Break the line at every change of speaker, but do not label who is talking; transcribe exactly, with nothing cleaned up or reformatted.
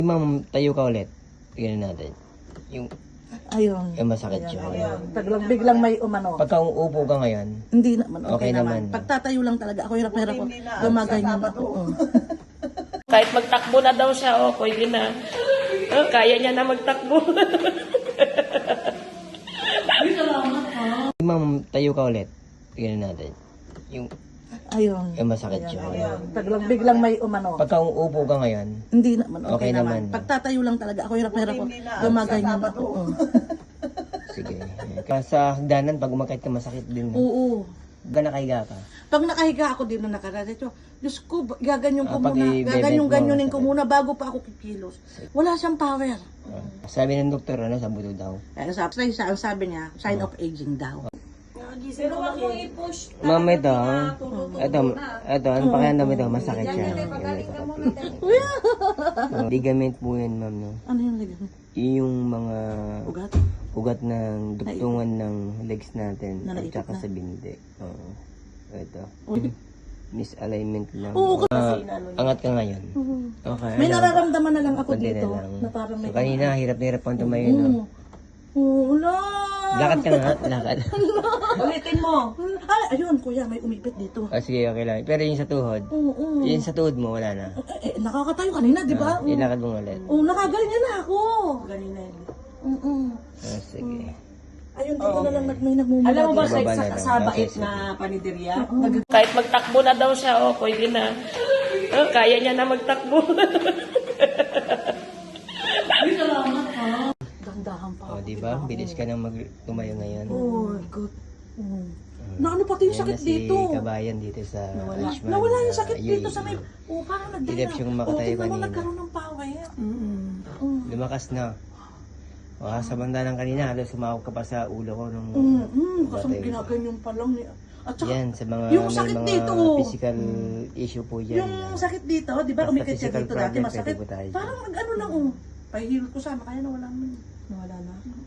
Ma'am, tayo ka ulit. Tingnan natin. Yung,
Ayun.
yung masakit siya.
Biglang, biglang may umano.
Pagka uupo ka ngayon,
Hindi naman, okay,
Okay
naman.
naman.
Pagtatayo lang talaga, ako hirap na hirap ko. Gumaganyan ako. Oo.
Kahit magtakbo na daw siya, oh, pwede na. Oh, kaya niya na magtakbo.
ma'am, tayo ka ulit. Tingnan natin. Yung,
Ayun.
yung masakit siya.
Biglang, biglang may umano.
Pagka uupo ka ngayon,
Hindi naman, okay,
Okay
naman.
naman.
Pagtatayo lang talaga, ako hirap na hirap ko. Gumaganyan ako. Oo.
sige. Kaya sa hagdanan, pag umakit ka, masakit din.
Oo.
Pagka nakahiga ka,
Pag nakahiga ako din na nakararito, Diyos ko, gaganyon ko
Ah, pag
muna,
i-bebet
gaganyon-ganyonin
mo,
ko muna bago pa ako kikilos. Wala siyang power.
ah, sabi ng doktor, ano, sa buto daw.
Kaya sabi, sabi, sabi niya, sign of aging daw.
Pero wag mong i-push.
Ma'am, ito, ito, ito, ano pakiramdam ito, masakit siya. Yung may sakit. Oh, ligament po yan, ma'am, no?
Ano yung ligament?
Yung mga
Ugat?
ugat ng dugtungan ng legs natin
Na
at
naipit
saka
na?
sa bindi. Oo. Ito.
Uy.
Misalignment lang.
Oo,
Ah, angat ka ngayon.
Oo.
Okay.
May
alam.
nararamdaman na lang ako
Konti
dito
na lang.
na parang may...
So, kanina, hirap na hirap kang tumayo, no?
Oo. Oo, wala.
Lakad ka nga, lakad.
Ulitin mo. Ah, ayun, kuya, may umipit dito.
Ah, sige, okay lang. Pero yung sa tuhod,
Oo, oo.
yung sa tuhod mo, wala na.
Eh, eh, nakakatayo kanina, di ba?
Ah, ilakad mo ulit.
Oo, nakaganyan na ako. Ganina yun. Oo.
Ah, sige.
Ayun, dito na lang nag- may nagmumula.
Alam mo ba
dito.
sa,
Baba na
sa,
lang.
sa bait
Okay,
na paniderya?
Kahit magtakbo na daw siya, oh, pwede na. Oh, kaya niya na magtakbo.
Dandahan pa.
O, di ba? Bilis ka nang mag tumayo ngayon.
Oh, good. Oo. Na ano pati yung
Yan
sakit
na si
dito.
Kabayan dito sa Ashman.
Nawala yung sakit
Ah,
dito
yun.
sa may... Oh, parang nagdala.
Hirap siyang makatayo
Oh, tignan mo,
kanina.
nagkaroon ng power.
Lumakas na. O, sa bandalang kanina, halos sumawag ka pa sa ulo ko nung...
Mm, mm, kasi
Batay.
ginaganyan pa lang. ni- At saka,
Yan, sa mga
yung
may
sakit
mga
dito.
physical issue po yan.
yung sakit dito, di ba
Basta
umikit siya
physical
dito dati,
problem,
masakit.
pwede po tayo.
Parang nag-ano lang, oh. Pahihilot ko sana, kaya nawala naman.
Wala na.